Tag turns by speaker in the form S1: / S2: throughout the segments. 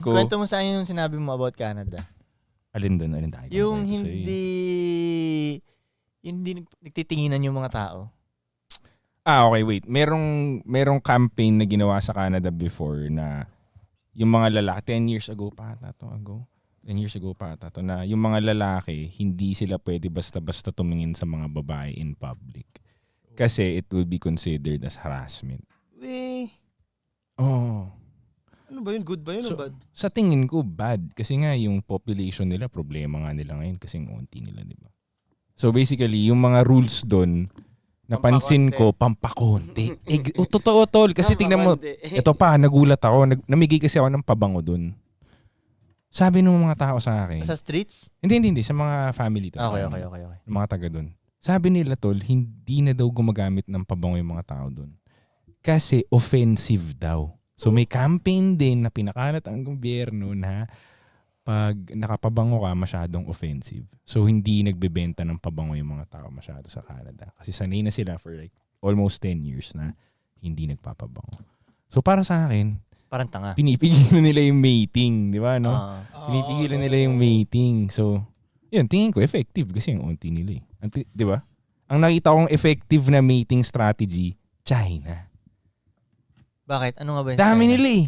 S1: Kwento mo sa akin yung sinabi mo about Canada.
S2: Alin doon? Alin tayo?
S1: Yung hindi nagtitinginan yung mga tao.
S2: Okay, wait. Merong campaign na ginawa sa Canada before na yung mga lalaki, 10 years ago pa ata to, na yung mga lalaki, hindi sila pwede basta-basta tumingin sa mga babae in public. Kasi it will be considered as harassment.
S3: Ano ba yun? Good ba yun o bad?
S2: Sa tingin ko, bad. Kasi nga yung population nila, problema nga nila ngayon kasi ang unti nila, di ba? So basically, yung mga rules doon, napansin ko, pampakonti. Totoo, tol. Kasi tingnan mo, ito pa, nagulat ako. Namigay kasi ako ng pabango doon. Sabi ng mga tao sa akin.
S1: Sa streets?
S2: Hindi. Sa mga family.
S1: Okay.
S2: Yung mga taga doon. Sabi nila, tol, hindi na daw gumagamit ng pabango yung mga tao doon. Kasi offensive daw. So may campaign din na pinakalat ang gobyerno na pag nakapabango ka, masyadong offensive. So hindi nagbebenta ng pabango yung mga tao masyado sa Canada. Kasi sanay na sila for like almost 10 years na hindi nagpapabango. So para sa akin,
S1: parang tanga.
S2: Pinipigilan nila yung mating, di ba? No? Pinipigilan nila yung mating. So, yun, tingin ko effective kasi yung unti nila eh. Di ba? Ang nakita kong effective na mating strategy, China.
S1: Bakit? Ano nga ba yung
S2: Dami
S1: China?
S2: nila eh.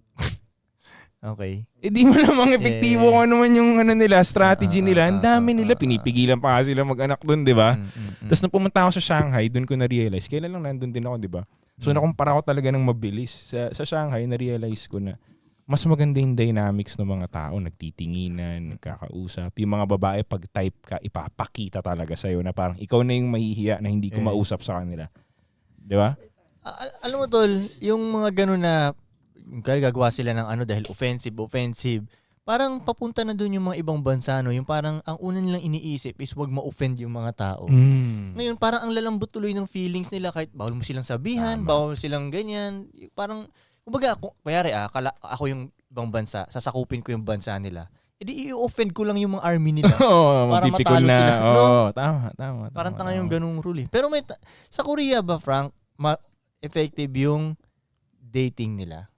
S1: Okay.
S2: Di mo namang epektibo kung ano man yung nila, strategy nila. Ang dami nila. Pinipigilan pa sila mag-anak doon, di ba? Tapos nung pumunta ako sa Shanghai, doon ko na-realize. Kailan lang nandun din ako, di ba? So nakumpara ko talaga ng mabilis. Sa Shanghai, na-realize ko na mas maganda yung dynamics ng mga tao. Nagtitinginan, nagkakausap. Yung mga babae, pag type ka, ipapakita talaga sa'yo na parang ikaw na yung mahihiya na hindi ko mausap sa kanila. Di ba?
S1: Alam mo tol, yung mga gano'n na gagawa sila ng dahil offensive. Parang papunta na doon yung mga ibang bansa, no? Yung parang ang una nilang iniisip is wag ma-offend yung mga tao. Ngayon, parang ang lalambot tuloy ng feelings nila kahit bawal mo silang sabihan, bawal silang ganyan. Parang, kumbaga, kayari ako yung ibang bansa, sasakupin ko yung bansa nila. Edi i-offend ko lang yung mga army nila.
S2: Para matalo sila. Tama.
S1: Parang tanga yung ganung rule eh. Pero sa Korea ba, Frank, effective yung dating nila?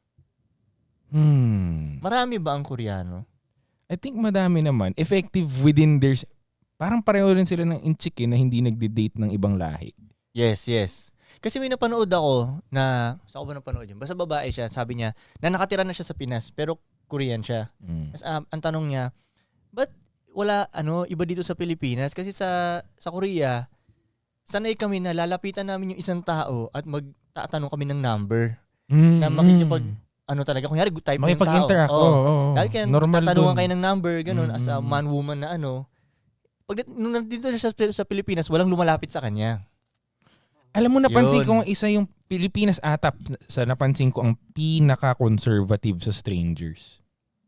S1: Marami ba ang Koreano?
S2: I think madami naman. Effective within their... Parang pareho rin sila ng inchik na hindi nagde-date ng ibang lahi.
S1: Yes. Kasi may napanood ako na... Saan ko ba napanood yun? Basta babae siya. Sabi niya na nakatira na siya sa Pinas pero Korean siya. As, ang tanong niya, ba't wala iba dito sa Pilipinas? Kasi sa Korea, sanay kami na lalapitan namin yung isang tao at magtatanong kami ng number. Na makikipag... talaga, kunyari, type mo yung tao.
S2: Makipag-interact.
S1: Dahil kaya tatanungan kayo ng number, ganun, as a man-woman na Pag nung nandito sa Pilipinas, walang lumalapit sa kanya.
S2: Alam mo, napansin ko isa yung Pilipinas atap sa napansin ko ang pinaka-conservative sa strangers.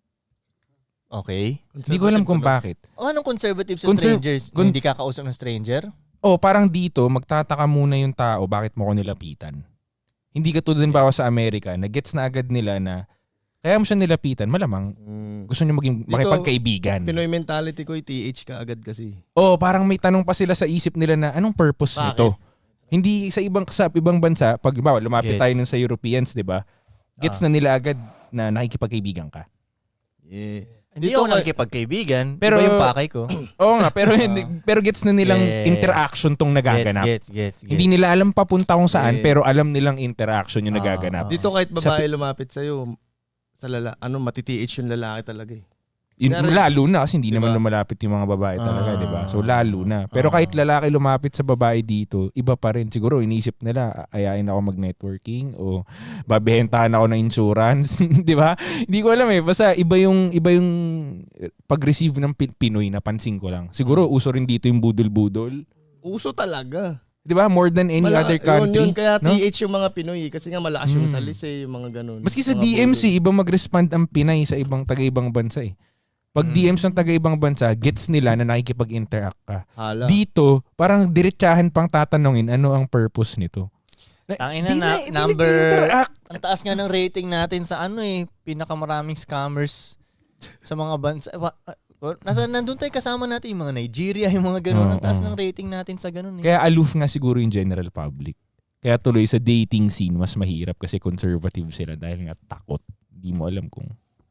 S1: Okay.
S2: Hindi ko alam kung bakit.
S1: Anong conservative sa strangers? Hindi kakausap ng stranger?
S2: Parang dito, magtataka muna yung tao, bakit mo ko nilapitan? Hindi ka tulad din bawa sa Amerika, na gets na agad nila na kaya mo siya nilapitan, malamang gusto niyo maging makipagkaibigan.
S3: Pinoy mentality ko, TH ka agad kasi.
S2: Parang may tanong pa sila sa isip nila na anong purpose nito? Hindi sa ibang bansa, pag lumapit tayo nun sa Europeans, 'di ba? Gets na nila agad na nakikipagkaibigan ka.
S3: Yeah.
S1: Hindi ako nakikipagkaibigan, pero iba yung pakay ko.
S2: Oo nga, pero gets na nilang interaction tong nagaganap.
S1: Gets.
S2: Hindi nila alam papunta kung saan, pero alam nilang interaction yung nagaganap.
S3: Dito kahit babae lumapit sa'yo, matiti-H yung lalaki talaga eh.
S2: Lalo na kasi hindi naman lumalapit yung mga babae talaga, di ba? So lalo na. Pero kahit lalaki lumapit sa babae dito, iba pa rin. Siguro inisip nila, ayain ako mag-networking o babehentahan ako ng insurance, di ba? Hindi ko alam eh. Basta iba yung pag-receive ng Pinoy, napansin ko lang. Siguro uso rin dito yung budol-budol.
S3: Uso talaga.
S2: Di ba? More than any other country.
S3: Yun, kaya TH yung mga Pinoy kasi nga malakas yung salise, yung mga ganun.
S2: Maski sa DMC, iba mag-respond ang Pinay sa taga-ibang bansa eh. Pag DMs ng taga-ibang bansa, gets nila na nakikipag-interact ka. Dito, parang diretsahan pang tatanungin ano ang purpose nito.
S1: Tangina na number. Ang taas nga ng rating natin sa pinakamaraming scammers sa mga bansa. Nandun tayo kasama natin yung mga Nigeria, yung mga ganun. Ang taas ng rating natin sa ganun.
S2: Kaya aloof nga siguro yung general public. Kaya tuloy sa dating scene, mas mahirap kasi conservative sila dahil nga takot. Di mo alam kung...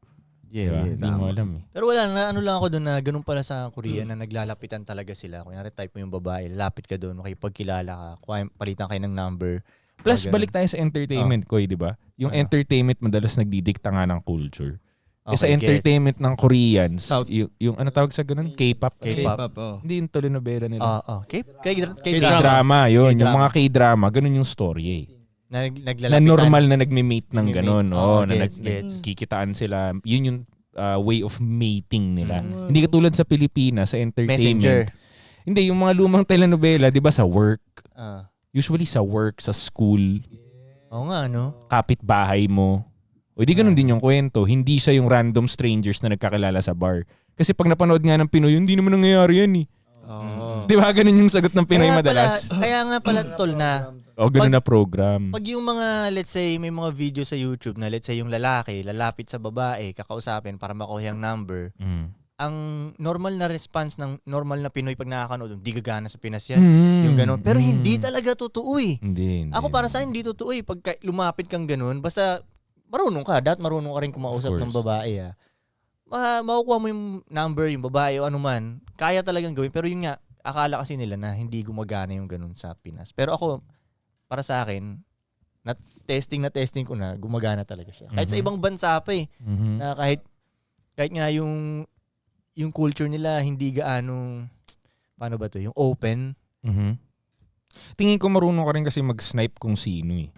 S2: Diba? Hindi mo alam eh.
S1: Pero wala, na ano lang ako doon na ganun pala sa Korea na naglalapitan talaga sila. Kunyari type mo yung babae, lalapit ka doon, makipagkilala ka, palitan kayo ng number.
S2: Plus,
S1: Ganun.
S2: balik tayo sa entertainment ko, di ba? Yung entertainment madalas nagdidikta nga ng culture. Sa entertainment ng Koreans, yung ano tawag sa ganun? K-pop?
S3: K-pop,
S2: Hindi yung telenovela nila.
S1: K-drama.
S2: Yun. Yung mga K-drama, ganun yung story eh. Na normal na nagme-mate ng ganun. Na nagkikitaan sila. Yun yung way of mating nila. Hindi katulad sa Pilipinas, sa entertainment.
S1: Messenger.
S2: Hindi, yung mga lumang telenovela, di ba sa work? Usually sa work, sa school.
S1: Oo nga, no?
S2: Kapitbahay mo. O di ganun din yung kwento. Hindi siya yung random strangers na nagkakilala sa bar. Kasi pag napanood nga ng Pinoy, hindi naman nangyayari yan eh. Di ba ganun yung sagot ng Pinoy madalas?
S1: Kaya nga pala tol na
S2: o ganun na program.
S1: pag yung mga, let's say, may mga video sa YouTube na let's say yung lalaki, lalapit sa babae, kakausapin para makuha yung number, ang normal na response ng normal na Pinoy pag nakakanood, hindi gagana sa Pinas yan. Yung ganun. Pero hindi talaga totoo eh.
S2: Hindi.
S1: Ako para sa akin, hindi totoo eh. Pag lumapit kang ganun, basta marunong ka. Dapat marunong ka rin kumausap ng babae. Makukuha mo yung number, yung babae o anuman. Kaya talagang gawin. Pero yun nga, akala kasi nila na hindi gumagana yung ganun sa Pinas. Pero ako, para sa akin, testing ko na, gumagana talaga siya. Kahit sa ibang bansa pa eh. Na kahit nga yung culture nila, hindi gaano, paano ba to? Yung open.
S2: Tingin ko marunong ka rin kasi mag-snipe kung sino eh.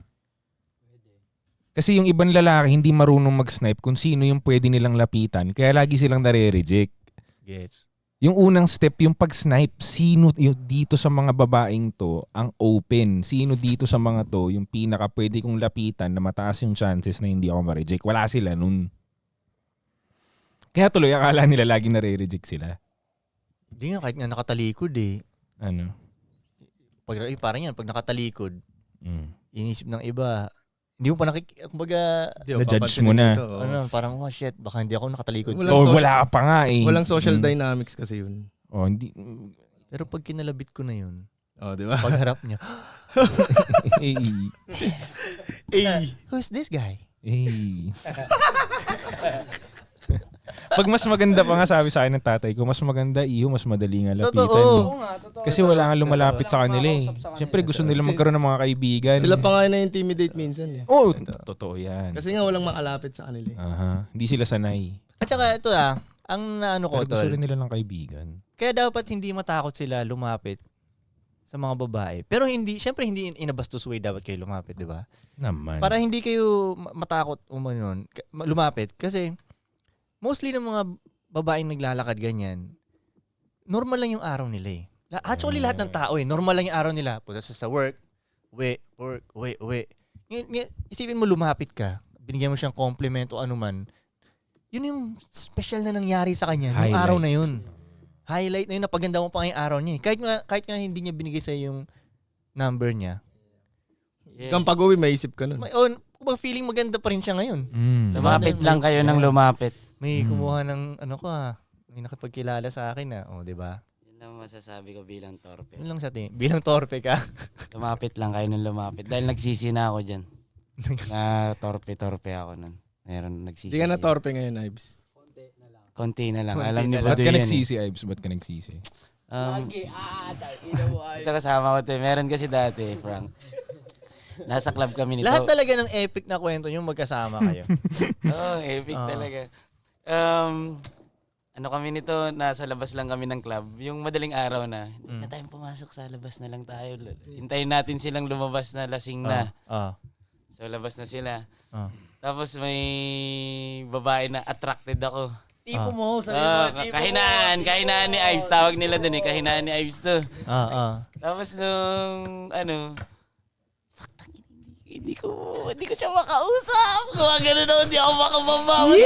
S2: Kasi yung ibang lalaki hindi marunong mag-snipe kung sino yung pwede nilang lapitan. Kaya lagi silang nare-reject.
S1: Gets.
S2: Yung unang step, yung pag-snipe, sino yung dito sa mga babaeng to ang open? Sino dito sa mga to yung pinaka pwede kong lapitan na mataas yung chances na hindi ako ma-reject? Wala sila nun. Kaya tuloy, akala nila lagi nare-reject sila.
S1: Hindi nga, kahit nga nakatalikod eh.
S2: Ano?
S1: Parang yan, pag nakatalikod, inisip ng iba, hindi mo pa kumbaga,
S2: na-judge mo na.
S1: Parang, oh shit, baka hindi ako nakatalikod.
S2: Wala ka pa nga eh.
S3: Walang social dynamics kasi yun.
S2: Hindi.
S1: Pero pag kinalabit ko na yun,
S3: di ba?
S1: pagharap niya,
S3: Hey.
S1: who's this guy?
S2: Pag mas maganda pa nga sabi sa akin ng tatay ko, mas maganda mas madali nga lapitan.
S1: Totoo.
S2: Kasi wala nga lumalapit sa kanila eh. Siyempre gusto nila magkaroon ng mga kaibigan.
S3: Sila pa nga na-intimidate minsan eh.
S2: Oo, totoo yan.
S3: Kasi nga walang makalapit sa kanila eh.
S2: Hindi sila sanay.
S1: At saka ito ang naano ko,
S2: Pero gusto
S1: tol.
S2: rin nila ng kaibigan.
S1: Kaya dapat hindi matakot sila lumapit sa mga babae. Pero syempre hindi in a bastos way dapat kayo lumapit, di ba?
S2: Naman.
S1: Para hindi kayo matakot lumapit. Kasi mostly ng mga babaeng naglalakad ganyan, normal lang yung araw nila eh. Actually, lahat ng tao eh, normal lang yung araw nila. Punta sa work, uwi. Isipin mo lumapit ka, binigyan mo siyang compliment o anuman, yun yung special na nangyari sa kanya, yung araw na yun. Highlight na yun, napaganda mo pa ngayong araw niya eh. Kahit nga hindi niya binigay sa yung number niya.
S3: Kung pag-uwi, maisip ka nun.
S1: Kung feeling maganda pa rin siya ngayon.
S4: Lumapit lang kayo ng lumapit.
S1: May kumuha ng may nakipagkilala sa akin o di ba?
S4: Yun lang masasabi ko bilang torpe.
S1: Yun lang bilang torpe ka.
S4: Lumapit lang kayo ng lumapit. Dahil nagsisi na ako dyan. Na torpe ako nun. Meron nagsisi.
S3: Hindi ka na torpe ngayon, Ives.
S4: Konti na lang.
S1: Konti
S4: Alam ni
S1: na lang.
S2: Ba't
S4: Budoy
S2: ka
S4: yan
S2: nagsisi, Ives? Ba't ka nagsisi?
S4: Ito kasama ko ito. Meron kasi dati, Frank. Nasa club kami nito.
S1: Lahat talaga ng epic na kwento yung magkasama kayo.
S4: Epic talaga. Ano kami nito, nasa labas lang kami ng club. Yung madaling araw na, hindi na tayong pumasok sa labas na lang tayo. Hintayin natin silang lumabas na lasing na. So labas na sila. Tapos may babae na attracted ako.
S1: Tipo mo, sabi mo.
S4: Kahinaan ni Ives. Tawag nila dun eh. Kahinaan ni Ives to. Tapos nung, hindi ko siya makausap. Kung gano'n ako, hindi ako makababa.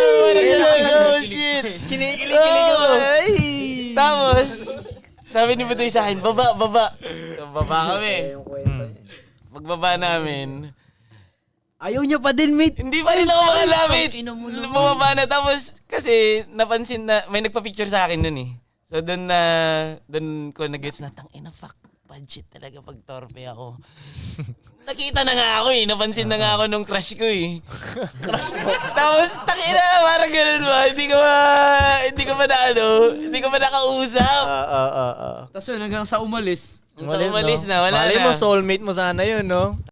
S4: Shit.
S1: Kinikilig ko.
S4: Tapos, sabi ni Budoy sa akin, baba. So, baba kami. Pagbaba namin,
S5: ayaw niya pa din, mate.
S4: hindi pa rin ako makalapit. Bumaba na. Tapos, kasi napansin na, may nagpa-picture sa akin nun eh. So, doon ko nag-gets na, tangina, fuck. budget talaga pag torpe ako. Nakita na nga ako napansin na nga ako nung crush ko Crush mo? Tapos, takina, parang ganun ba? Hindi ko pa nakausap.
S5: Tapos yun, hanggang sa umalis.
S4: Umalis na, wala
S1: Malay
S4: na.
S1: mo, soulmate mo sana yun, no?